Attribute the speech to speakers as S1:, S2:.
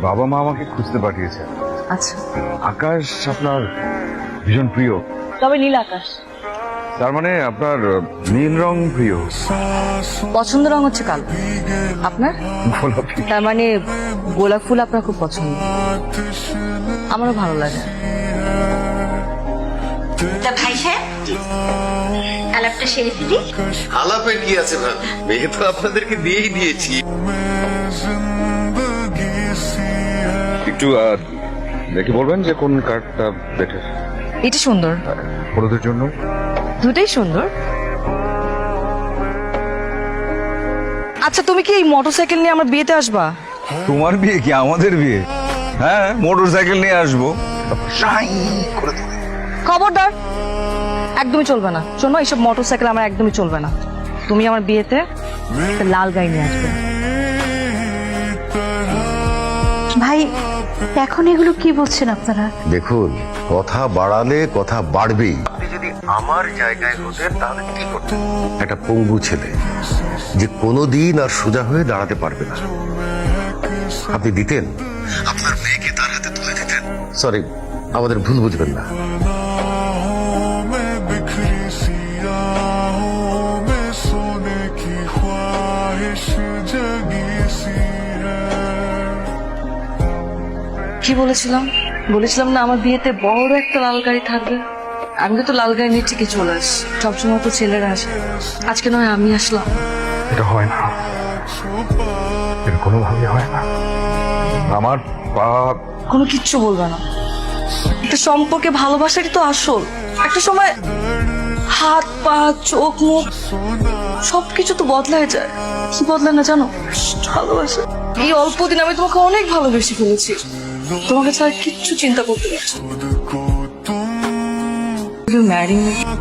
S1: বাবা মা আমাকে খুঁজতে পাঠিয়েছে।
S2: আচ্ছা,
S1: আকাশ আপনার ভীষণ প্রিয়,
S2: তবে নীল আকাশ।
S1: তার মানে আপনার নীল রং প্রিয়।
S2: পছন্দের রং হচ্ছে কালো, আপনার?
S1: গোলাপি।
S2: তার মানে গোলাপ ফুল আপনার খুব পছন্দ। আমারও ভালো লাগে।
S3: তা ভাই সাহেব, আলাপটা সেরে ফেলি।
S4: আলাপে কি আছে ভাবি, মেয়ে তো আপনাদেরকে দিয়েই দিয়েছি।
S1: একটু দেখে বলবেন যে কোন কার্ডটা বেটার?
S2: এটা সুন্দর,
S1: হলুদের জন্য।
S2: দুটাই সুন্দর। আচ্ছা, তুমি কি এই মোটরসাইকেল নিয়ে আমার বিয়েতে আসবা?
S1: তোমার বিয়ে কি আমাদের বিয়ে? হ্যাঁ, মোটর সাইকেল নিয়ে আসবো।
S2: খবরদার, একদমই চলবে না। শোনো, এইসব মোটরসাইকেল আমার একদমই চলবে না। তুমি আমার বিয়েতে একটা লাল গাড়ি নিয়ে আসবে।
S3: ভাই, এখন এগুলো কি বলছেন আপনারা?
S4: দেখুন, কথা বাড়ালে কথা বাড়বেই। আপনি যদি আমার জায়গায় হতেন তাহলে কি করতেন? একটা পঙ্গু ছেলে যে কোনোদিন আর সোজা হয়ে দাঁড়াতে পারবে না, আপনি দিতেন? আপনার মেয়েকে তার হাতে তুলে দিতেন? সরি, আমাদের ভুল বুঝবেন না।
S2: কি বলেছিলাম? বলেছিলাম না আমার বিয়েতে বড় একটা লাল গাড়ি থাকবে। আমি তো লাল গাড়ি নিয়ে ঠিকই চলে আসি, সবসময় তো ছেলেরা আসে। আজকে নয় আমি আসলাম।
S1: এটা হয় না, এটা কোনোভাবে হয় না। আমার বাপ
S2: কোনো কিচ্ছু বলবে না। একটা সম্পর্কে ভালোবাসারই তো আসল। একটা সময় হাত পা চোখ মুখ সবকিছু তো বদলায় যায়। কি বদলায় না জানো? ভালোবাসা। এই অল্প দিন আমি তোমাকে অনেক ভালোবেসে ফেলেছি। তোমাকে ছাড়া কিচ্ছু চিন্তা করতে পারছি না। ম্যারি